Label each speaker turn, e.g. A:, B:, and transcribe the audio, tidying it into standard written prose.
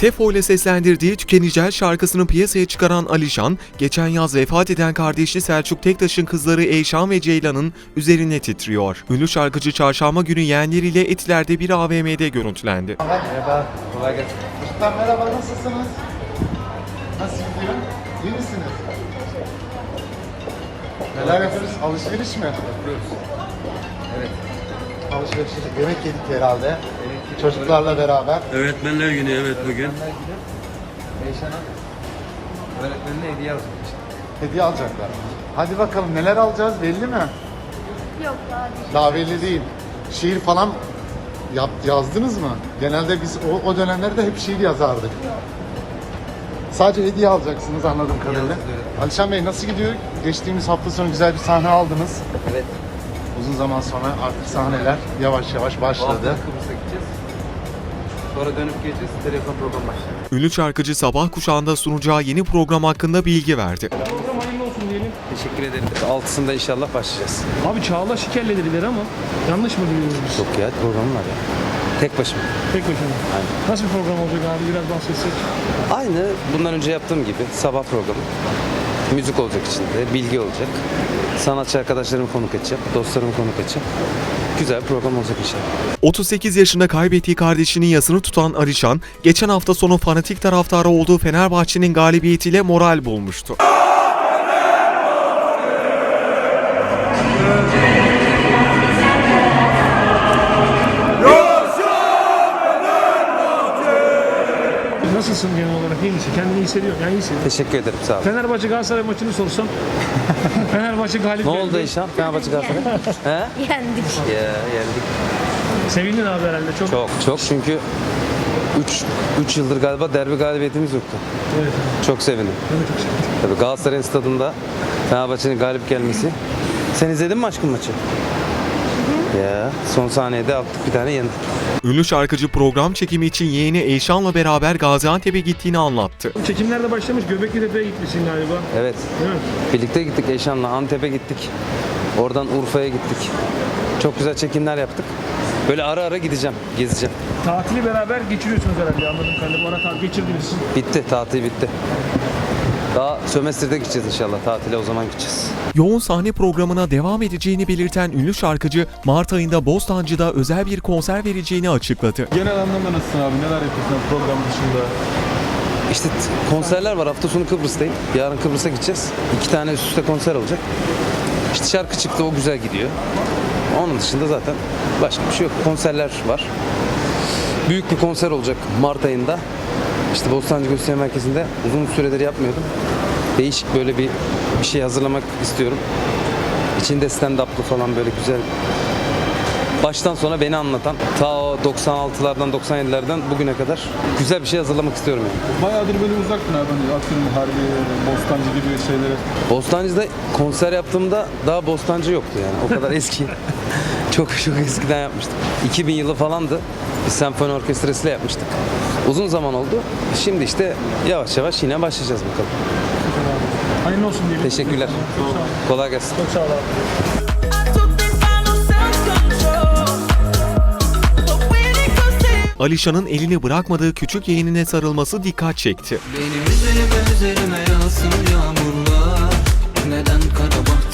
A: Tefo ile seslendirdiği Tükenecel şarkısını piyasaya çıkaran Alişan, geçen yaz vefat eden kardeşi Selçuk Tektaş'ın kızları Eyşan ve Ceylan'ın üzerine titriyor. Ünlü şarkıcı çarşamba günü yeğenleriyle Etiler'de bir AVM'de görüntülendi.
B: Merhaba, kolay gelsin.
C: Çocuklar merhaba, nasılsınız? Nasıl gidiyor? İyi misiniz? Neler yapıyoruz? Alışveriş mi?
B: Yapıyoruz. Evet.
C: Alışveriş yedik, yemek yedik herhalde. Çocuklarla beraber.
D: Öğretmenler günü evet bugün.
B: Eyşan'a öğretmenine hediye alacak.
C: Hediye alacaklar. Hadi bakalım neler alacağız belli mi?
E: Yok daha değil.
C: Daha belli değil. Şiir falan yazdınız mı? Genelde biz o dönemlerde hep şiir yazardık. Sadece hediye alacaksınız anladığım kadarıyla.
B: Yalnız, evet.
C: Alişan Bey nasıl gidiyor? Geçtiğimiz hafta sonu güzel bir sahne aldınız.
B: Evet.
C: Uzun zaman sonra artık sahneler yavaş yavaş
B: Bu hafta
C: başladı.
B: Kıbrıs'a gideceğiz. Sonra dönüp geleceğiz. Telefon program başlayacak.
A: Ünlü şarkıcı sabah kuşağında sunacağı yeni program hakkında bilgi verdi.
F: Program hayırlı olsun diyelim.
B: Teşekkür ederim. 6'sında inşallah başlayacağız.
F: Abi Çağla Şiker'le dediler ama yanlış mı duyuyoruz biz?
B: Yok ya, programım var ya. Tek başıma.
F: Tek başına.
B: Aynen.
F: Nasıl bir program olacak abi biraz bahsetsek?
B: Aynı bundan önce yaptığım gibi sabah programı. Müzik olacak içinde, bilgi olacak. Sanatçı arkadaşlarımı konuk edeceğim, dostlarımı konuk edeceğim. Güzel bir program olacak inşallah.
A: 38 yaşında kaybettiği kardeşinin yasını tutan Alişan, geçen hafta sonu fanatik taraftarı olduğu Fenerbahçe'nin galibiyetiyle moral bulmuştu.
F: Nasılsın genel olarak? İyi misin? Kendini iyi hissediyorsun. Yani iyisin.
B: Teşekkür ederim, sağ olun.
F: Fenerbahçe Galatasaray maçını sorsam. Fenerbahçe galip
B: Ne
F: geldi.
B: oldu Eyşan? Fenerbahçe Galatasaray? He?
E: Yendik.
B: Ya yendik.
F: Sevindin abi herhalde çok.
B: Çok çünkü 3 yıldır galiba derbi galibiyetimiz yoktu.
F: Evet.
B: Çok sevindim.
F: Ben de çok sevindim.
B: Tabii Galatasaray'ın stadında Fenerbahçe'nin galip gelmesi. Sen izledin mi aşkım maçı? Ya son saniyede attık bir tane yendik.
A: Ünlü şarkıcı program çekimi için yeğeni Eyşan'la beraber Gaziantep'e gittiğini anlattı.
F: Çekimler de başlamış. Göbeklitepe'ye gitmişsin galiba.
B: Evet.
F: Değil mi?
B: Birlikte gittik Eyşan'la Antep'e gittik. Oradan Urfa'ya gittik. Çok güzel çekimler yaptık. Böyle ara ara gideceğim, gezeceğim.
F: Tatili beraber geçiriyorsunuz herhalde anladığım kadarıyla. Bu ara tatil geçirdiniz.
B: Bitti, tatil bitti. Daha sömestrde gideceğiz inşallah. Tatile o zaman gideceğiz.
A: Yoğun sahne programına devam edeceğini belirten ünlü şarkıcı, Mart ayında Bostancı'da özel bir konser vereceğini açıkladı.
G: Genel anlamda nasılsın abi? Neler yapıyorsun program dışında?
B: İşte konserler var. Hafta sonu Kıbrıs'tayım. Yarın Kıbrıs'a gideceğiz. 2 tane üst üste konser olacak. İşte şarkı çıktı, o güzel gidiyor. Onun dışında zaten başka bir şey yok. Konserler var. Büyük bir konser olacak Mart ayında. İşte Bostancı Gösteri Merkezi'nde uzun süredir yapmıyordum. Değişik böyle bir şey hazırlamak istiyorum. İçinde stand-up'lı falan böyle güzel. Baştan sona beni anlatan, ta o 96'lardan 97'lerden bugüne kadar güzel bir şey hazırlamak istiyorum yani.
G: Bayağıdır böyle uzaktın abi. Hani atıyorum Harbiye, Bostancı gibi şeylere.
B: Bostancı'da konser yaptığımda daha Bostancı yoktu yani. O kadar eski. çok eskiden yapmıştık. 2000 yılı falandı. Bir senfoni orkestrasıyla yapmıştık. Uzun zaman oldu. Şimdi işte yavaş yavaş yine başlayacağız bakalım.
F: Hayırlı olsun diyelim.
B: Teşekkürler. Kolay gelsin.
F: Çok sağ ol abi.
A: Alişan'ın elini bırakmadığı küçük yeğenine sarılması dikkat çekti.
H: Benim üzerime yağsın yağmurlar. Neden kara bahtım